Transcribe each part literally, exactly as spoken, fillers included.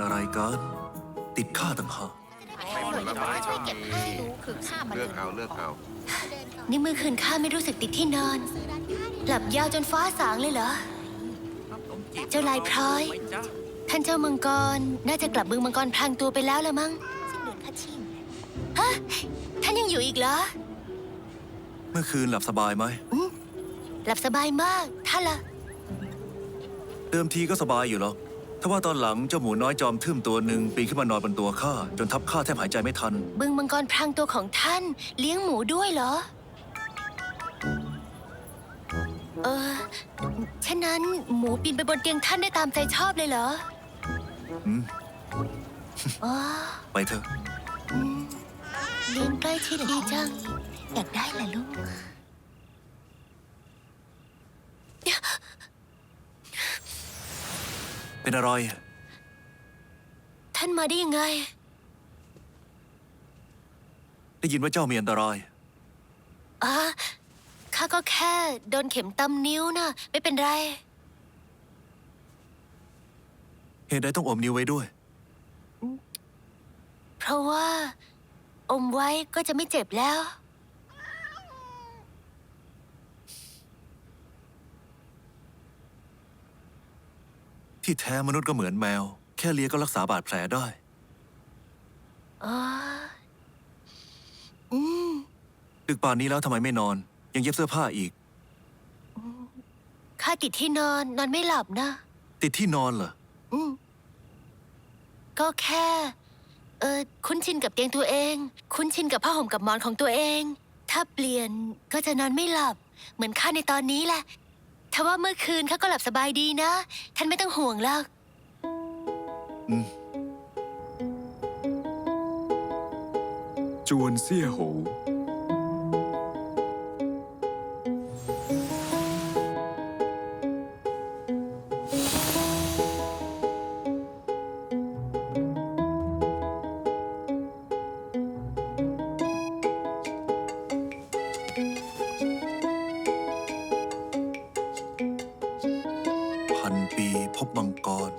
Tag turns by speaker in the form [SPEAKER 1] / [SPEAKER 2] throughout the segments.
[SPEAKER 1] อะไรกันติดข้าต่างหาก
[SPEAKER 2] ช่วยเก็บให้รู้คือข้ามัน
[SPEAKER 3] เลือกเอาเลือกเอา
[SPEAKER 4] นี่เมื่อคืนข้าไม่รู้สึกติดที่นอน หลับยาวจนฟ้าสางเลยเหรอ เจ้าลายพร้อย ท่านเจ้ามังกร น่าจะกลับเมืองมังกรพลางตัวไปแล้วละมั้ง
[SPEAKER 2] สิ้นเดือนข้าชิง
[SPEAKER 4] ฮะ ท่านยังอยู่อีกเหรอ
[SPEAKER 1] เมื่อคืนหลับสบายไหม
[SPEAKER 4] หลับสบายมาก ท่านล่ะ
[SPEAKER 1] เดิมทีก็สบายอยู่หรอกถ้าว่าตอนหลังเจ้าหมูน้อยจอมทึ่มตัวหนึ่งปีนขึ้นมานอนบนตัวข้าจนทับข้าแทบหายใจไม่ทัน
[SPEAKER 4] บึงมังกรพรางตัวของท่านเลี้ยงหมูด้วยเหรอ เออฉะนั้นหมูปีนไปบนเตียงท่านได้ตามใจชอบเลยเหรอ
[SPEAKER 1] อืม
[SPEAKER 4] อ๋อ
[SPEAKER 1] ไปเถอะ
[SPEAKER 4] อืมเลี้ยงใกล้ชิดดีจัง อยากได้แหละลูก
[SPEAKER 1] เป็นอะไร
[SPEAKER 4] ท่านมาได้ยังไง
[SPEAKER 1] ได้ยินว่าเจ้ามีอันตราย
[SPEAKER 4] อ่ะข้าก็แค่โดนเข็มตำนิ้วนะไม่เป็นไร
[SPEAKER 1] เหตุใดต้องอมนิ้วไว้ด้วย
[SPEAKER 4] เพราะว่า อมไว้ก็จะไม่เจ็บแล้ว
[SPEAKER 1] ที่แท้มนุษย์ก็เหมือนแมว แค่เลียก็รักษาบาดแผลได้
[SPEAKER 4] อ๋อ อืม
[SPEAKER 1] ดึกป่านนี้แล้วทำไมไม่นอน ยังเย็บเสื้อผ้าอีก
[SPEAKER 4] ข้าติดที่นอนนอนไม่หลับนะ
[SPEAKER 1] ติดที่นอนเหรอ
[SPEAKER 4] อืม ก็แค่ เออคุ้นชินกับเตียงตัวเอง คุ้นชินกับผ้าห่มกับหมอนของตัวเอง ถ้าเปลี่ยนก็จะนอนไม่หลับ เหมือนข้าในตอนนี้แหละทว่าเมื่อคืนข้าก็หลับสบายดีนะ ท่านไม่ต้องห่วงหรอก
[SPEAKER 1] อืม
[SPEAKER 5] จวนเซี่ยโหว
[SPEAKER 1] พันปีพบมังกร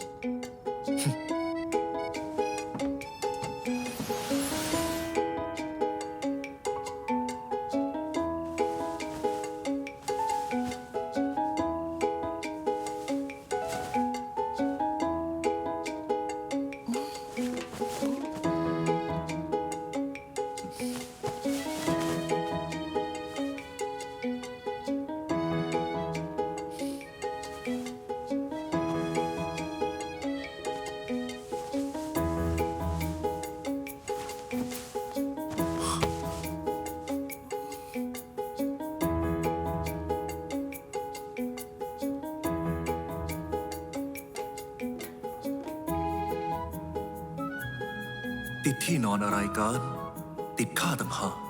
[SPEAKER 1] ติดที่นอนอะไรกัน ติดข้าต่างหาก